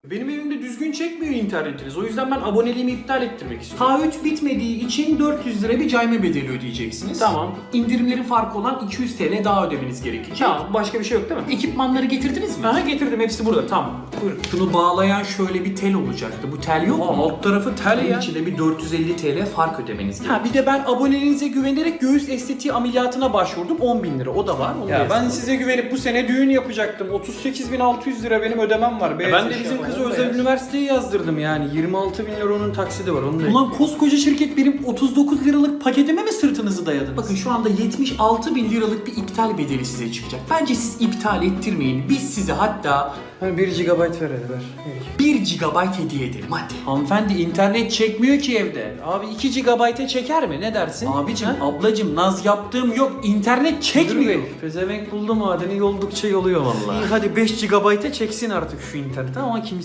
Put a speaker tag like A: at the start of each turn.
A: Benim evimde düzgün çekmiyor internetiniz. O yüzden ben aboneliğimi iptal ettirmek istiyorum.
B: Taahhüt bitmediği için 400 lira bir cayma bedeli ödeyeceksiniz.
A: Tamam.
B: İndirimlerin farkı olan 200 TL daha ödemeniz gerekecek.
A: Tamam, başka bir şey yok değil mi?
B: Ekipmanları getirdiniz mi?
A: Aha, getirdim, hepsi burada. Tamam. Buyurun.
B: Şunu bağlayan şöyle bir tel olacaktı. Bu tel yok mu?
A: Alt tarafı tel
B: Bunun
A: ya.
B: içinde bir 450 TL fark ödemeniz gerekiyor.
A: Ha, bir de ben aboneliğinize güvenerek göğüs estetiği ameliyatına başvurdum. 10.000 lira. O da var. Onu da
C: Ya ben
A: yazalım.
C: size güvenip bu sene düğün yapacaktım. 38.600 lira benim ödemem var.
A: Ben de bizim kızı özel üniversiteye yazdırdım yani. 26.000 lira onun taksidi var. Onu da
B: Ulan koskoca şirket benim 39 liralık paketime mi sırtınızı dayadınız? Bakın şu anda 76 bin liralık bir iptal bedeli size çıkacak. Bence siz iptal ettirmeyin. Biz size hatta
C: 1 GB ver hadi ver.
B: 1 GB hediye edelim hadi.
A: Hanımefendi internet çekmiyor ki evde. Abi 2 GB'e çeker mi? Ne dersin?
B: Abicim,
A: Ha?
B: ablacım naz yaptığım yok. İnternet çekmiyor.
A: Pezevenk buldu madeni yoldukça yoluyor vallahi. İyi hadi 5 GB'e çeksin artık şu internet ama kimse